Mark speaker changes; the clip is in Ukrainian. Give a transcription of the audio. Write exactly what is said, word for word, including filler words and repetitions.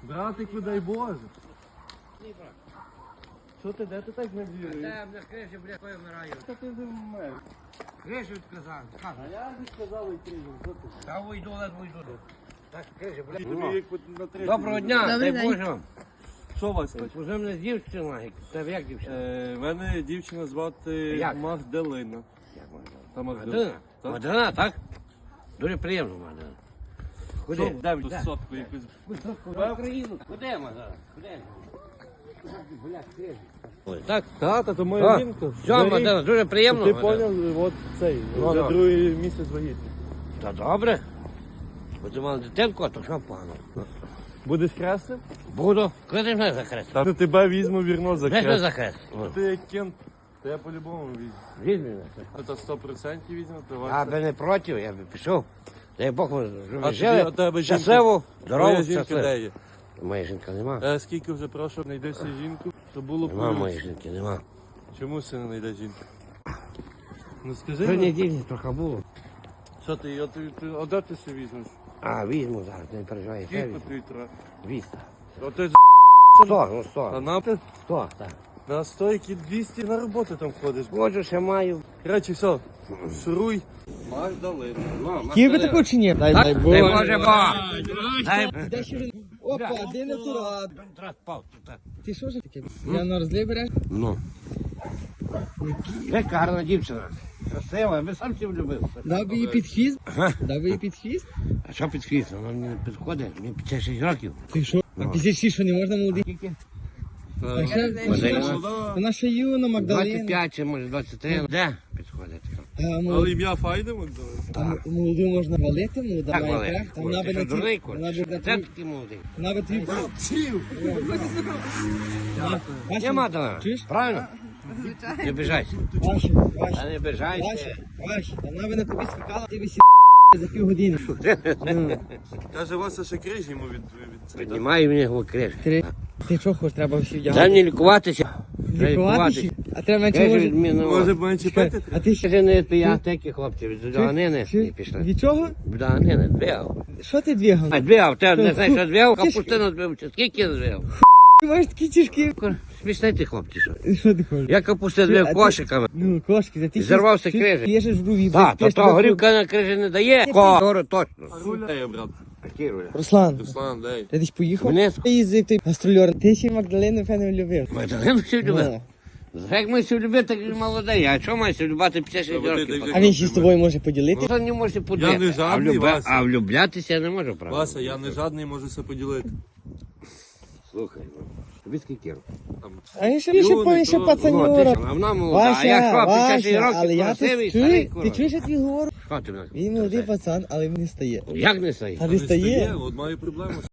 Speaker 1: Братику, дай Боже. Що ти, де ти так не віруєш?
Speaker 2: Та, бля, крижі, бля, кою вмираю.
Speaker 1: Та ти вже вмер.
Speaker 2: Крижі відказав.
Speaker 1: А я не сказав і крижу, що ти?
Speaker 2: Та уйду, ледве йду. Так, крижі, бля.
Speaker 1: Тобі як на третій.
Speaker 2: Доброго дня,
Speaker 3: Добрий
Speaker 2: дай
Speaker 3: день.
Speaker 2: Боже вам.
Speaker 1: Що вас хоч?
Speaker 2: Уже мене дівчина, тебе як дівчина?
Speaker 1: Е, мене дівчина звати
Speaker 2: Як?
Speaker 1: Магдалина.
Speaker 2: Як можна?
Speaker 1: Та
Speaker 2: Мадина?
Speaker 1: Так.
Speaker 2: Мадина, так? Дуже приємно, Мадина.
Speaker 1: Що,
Speaker 2: Куди?
Speaker 1: де ви сотку якусь?
Speaker 2: В Україну. Куди, Мадина? Куди? Бля, крижі. Ой, так?
Speaker 1: Тата, то моя
Speaker 2: А,
Speaker 1: жінка.
Speaker 2: Все, Мадина, дуже приємно.
Speaker 1: Ти
Speaker 2: Мадина.
Speaker 1: поняв, от цей,
Speaker 2: Ну,
Speaker 1: вже
Speaker 2: ну.
Speaker 1: другий місяць вагітний.
Speaker 2: Та добре. Бо ти мала дитинку, а то що погано.
Speaker 1: Будеш хрестим?
Speaker 2: Буду. Коли ти мене захрест?
Speaker 1: Та тебе візьму вірно за
Speaker 2: Де ж
Speaker 1: хрест.
Speaker 2: захрест?
Speaker 1: Ти як кент, то я по-любому візьму.
Speaker 2: Візьми мене.
Speaker 1: Це сто відсотків візьму, то
Speaker 2: Я
Speaker 1: вас.
Speaker 2: би не проти, я би пішов. Дай Бог, ми
Speaker 1: А
Speaker 2: жили,
Speaker 1: тобі- у тебе жінка-
Speaker 2: щасливо, здорово,
Speaker 1: Твоя жінка
Speaker 2: щасливо.
Speaker 1: де є?
Speaker 2: Моя жінка нема.
Speaker 1: Е, скільки вже прошу, знайди всі жінку, щоб було
Speaker 2: Нема
Speaker 1: поруч.
Speaker 2: моєї жінки, нема.
Speaker 1: Чому си не знайде жінку? Ну скажи,
Speaker 2: Три
Speaker 1: ну,
Speaker 2: неділі трохи було.
Speaker 1: що ти, а ти, ти, а де ти себе візьмеш?
Speaker 2: А, візьму зараз, не переживай. я
Speaker 1: Скільки
Speaker 2: візьму.
Speaker 1: тобі треба?
Speaker 2: Двісті.
Speaker 1: А ти
Speaker 2: Сто, ну
Speaker 1: а
Speaker 2: сто.
Speaker 1: нам ти
Speaker 2: Сто, так.
Speaker 1: на стойки двісті на роботу там ходиш.
Speaker 2: Ходжу, ще маю.
Speaker 1: Короче, все, шуруй. Магдалина.
Speaker 3: Хотів би таку чи ні? Дай,
Speaker 2: Так,
Speaker 3: дай
Speaker 2: дай
Speaker 3: Боже.
Speaker 2: Боже Бог. Дай
Speaker 3: Де ще він? Опа, де не турат?
Speaker 2: Контракт пав, тут так.
Speaker 3: Ти що ж таке? Я на розлив береш?
Speaker 2: Ну. Яка гарна дівчина. Красива, я би сам тебе любив.
Speaker 3: Дав би їй під хвіст?
Speaker 2: Ага.
Speaker 3: Дав би їй під хвіст?
Speaker 2: А що під хвіст? Вона мені не підходить, мені п'ятдесят шість років.
Speaker 3: Ти що? А під шість, що не можна молодий?
Speaker 2: Скільки?
Speaker 3: А ще-
Speaker 2: Мадалина.
Speaker 3: Вона ще юна,
Speaker 2: двадцять
Speaker 3: Магдалина.
Speaker 2: п'ять чи може двадцять три. Де підходить?
Speaker 3: А
Speaker 1: Але
Speaker 3: молоду,
Speaker 1: ім'я файне Магдалина.
Speaker 3: а м- молоду можна валити, молода
Speaker 2: Так,
Speaker 3: має
Speaker 2: Валерій.
Speaker 3: крах. Там вона би
Speaker 2: Ти
Speaker 3: на
Speaker 2: що, дурний,
Speaker 3: ті- вона
Speaker 2: курч?
Speaker 3: би на
Speaker 2: Це
Speaker 3: ті-
Speaker 2: такий молодий.
Speaker 3: вона би твій... Бачиш?
Speaker 2: Нема талана.
Speaker 3: Чуєш?
Speaker 2: Правильно? Не обижайся.
Speaker 3: Ваші,
Speaker 2: Та
Speaker 3: ваші,
Speaker 2: не обижайся.
Speaker 3: ваші, ваші. Вона би на тобі скакала, ти би сі за півгодини. Ну,
Speaker 1: Каже, Вася ще крижі йому від... від... від...
Speaker 2: Піднімай мені його криш.
Speaker 3: Ти, ти що хочеш, треба всі
Speaker 2: Дай
Speaker 3: вдягати?
Speaker 2: мені лікуватися. Треба
Speaker 3: Лікуватися? А треба менше
Speaker 2: Каже,
Speaker 3: може...
Speaker 2: від мене.
Speaker 1: Може б менше
Speaker 3: Чекай,
Speaker 1: пити?
Speaker 3: а ти ще...
Speaker 2: Скажи, не ти я такі хлопці, від доганини
Speaker 3: Чи-
Speaker 2: не пішли.
Speaker 3: Від чого?
Speaker 2: Від доганини, двігав.
Speaker 3: Що ти двігав?
Speaker 2: А двігав, ти не знаєш, що двігав?
Speaker 3: Ти ж-
Speaker 2: Капустину двігав, чи скільки я двігав?
Speaker 3: Ти маєш такі тяжкі...
Speaker 2: Смішний ти хлопці, що?
Speaker 3: Що ти хочеш?
Speaker 2: Я капустину
Speaker 3: Ти- а
Speaker 2: двігав
Speaker 3: ти-
Speaker 2: кошиками.
Speaker 3: Ну, кошки, за ти...
Speaker 2: Зірвався
Speaker 3: ти
Speaker 2: крижик.
Speaker 3: П'єш в руві.
Speaker 2: Так, то то горівка на крижі не дає. Кору точно.
Speaker 1: Руля. Ей, брат.
Speaker 2: Які руля?
Speaker 3: Руслан,
Speaker 1: Руслан, дай.
Speaker 3: ти десь поїхав?
Speaker 2: Мене-
Speaker 3: Ти їздив, ти гастрольор. Ти ще Магдалину, певно, любив.
Speaker 2: Магдалину всі любив.
Speaker 3: Ну.
Speaker 2: Як ми всі любити, так і молодий. А чого має всі любити п'ятдесят шість
Speaker 1: Та,
Speaker 2: років?
Speaker 1: ти-
Speaker 3: А він ще з тобою може поділити?
Speaker 2: Ну, не може подати.
Speaker 1: Я не жадний,
Speaker 2: а,
Speaker 1: Вася.
Speaker 2: а влюблятися я не можу, правда?
Speaker 1: Вася, я не жадний, можу все поділити.
Speaker 2: Слухай, ну, тобі скільки років?
Speaker 1: Там.
Speaker 3: А він ще більше
Speaker 1: Юний,
Speaker 3: повіше
Speaker 1: то-
Speaker 2: Ну, а ти
Speaker 3: пацанюра.
Speaker 2: що, а вона молода. А
Speaker 3: Вася,
Speaker 2: я що, п'ятдесят шість
Speaker 3: Вася,
Speaker 2: років,
Speaker 3: але я
Speaker 2: красивий,
Speaker 3: ти
Speaker 2: старий
Speaker 3: чуєш,
Speaker 2: курва.
Speaker 3: ти чуєш, я тобі говорю?
Speaker 2: Що ти мене?
Speaker 3: Він молодий пацан, але він не стає.
Speaker 2: Як не стоїть?
Speaker 3: А
Speaker 1: Не
Speaker 3: не
Speaker 1: стає,
Speaker 3: стає?
Speaker 1: от маю проблему.